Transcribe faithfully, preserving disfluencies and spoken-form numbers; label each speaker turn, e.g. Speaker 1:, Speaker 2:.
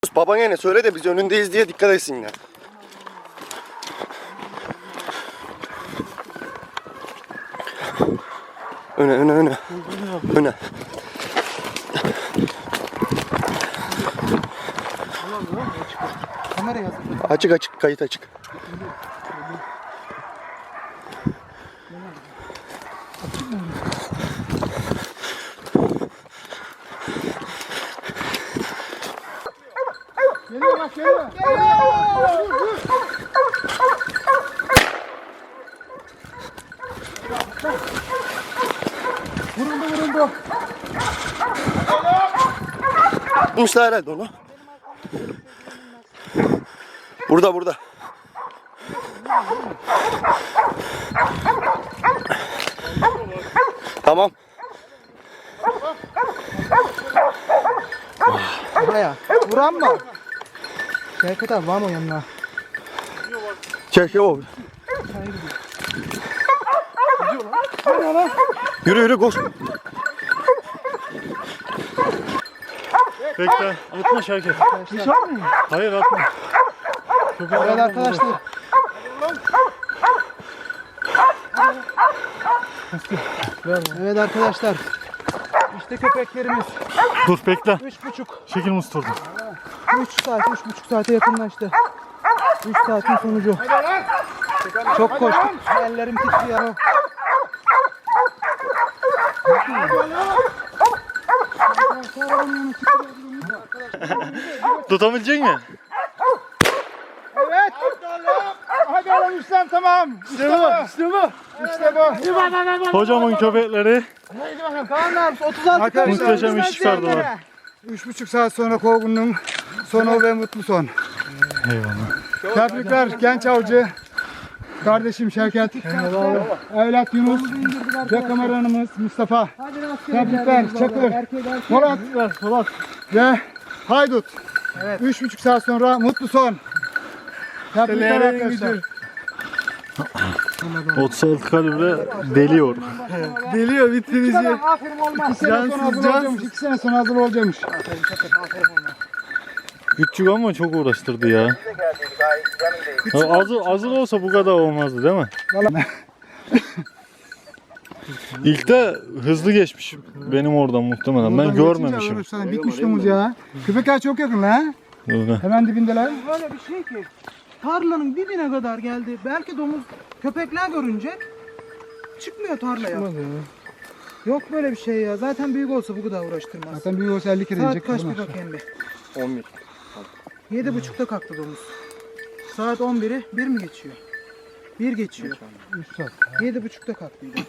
Speaker 1: Babana ne söyle de biz önündeyiz diye dikkat etsinler. Öne öne öne. Öne.
Speaker 2: Kamera yazın.
Speaker 1: Açık açık, kayıt açık.
Speaker 2: Geliyor bak geliyor. Geliyor. Vuruldu vuruldu.
Speaker 1: Bulmuşlar herhalde onu. Burada burada. Tamam.
Speaker 2: Buraya. Vuran mı? Şevket abi var mı yanına?
Speaker 1: Çek o. Yürü yürü koş.
Speaker 3: Bekle, atma Şevket. Hayır atma.
Speaker 2: Evet arkadaşlar. Evet arkadaşlar. İşte köpeklerimiz.
Speaker 3: Dur bekle.
Speaker 2: Üç buçuk.
Speaker 3: Şekil musturdum.
Speaker 2: Üç saat, üç buçuk saate yakınlaştı. Üç saatin sonucu. Çok koştuk. Ellerim titriyor.
Speaker 3: Tutabilecek misin?
Speaker 2: Evet. Hadi oğlum İslam tamam. İşte bu. İşte bu. İşte bu.
Speaker 3: Hocamın köpekleri
Speaker 2: Haydi bakalım. Kaan abi otuz altı
Speaker 3: muhteşem iş çıkardılar.
Speaker 4: Üç buçuk saat sonra kovgunun sonu ve mutlu son.
Speaker 3: Eyvallah.
Speaker 4: Tebrikler genç avcı. Kardeşim Şevket. Evlat Yunus. Ve kameramanımız Mustafa. Tebrikler Çakır. Polat.
Speaker 3: Polat.
Speaker 4: Ve Haydut. Üç buçuk saat sonra mutlu son. Tebrikler arkadaşlar.
Speaker 3: otuz altı kalibre deliyor.
Speaker 4: Deliyor bitirici.
Speaker 2: Aferin olmaz.
Speaker 4: İki sene sonra hazır olacakmış. İki sene sonra hazır olacakmış.
Speaker 3: Küçük ama çok uğraştırdı ya. Ya azı, azı olsa bu kadar olmazdı değil mi? İlk de hızlı geçmiş benim oradan muhtemelen. Ben görmemişim.
Speaker 4: Bir kuşluğumuz ya. Köpekler çok yakın lan.
Speaker 3: Öyle.
Speaker 4: Hemen dibindeler.
Speaker 2: Böyle bir şey ki tarlanın dibine kadar geldi. Belki domuz köpekler görünce çıkmıyor tarlaya. Yok böyle bir şey ya. Zaten büyük olsa bu kadar uğraştırmaz.
Speaker 4: Zaten büyük olsa elli kere
Speaker 2: Saat
Speaker 4: yiyecek.
Speaker 2: kaç
Speaker 4: bunlar.
Speaker 2: bir bakayım bir.
Speaker 1: on bir.
Speaker 2: Yedi buçukta kalktı domuz. Saat on biri bir mi geçiyor? Bir geçiyor.
Speaker 4: Üç saat.
Speaker 2: Yedi buçukta kalktıydı.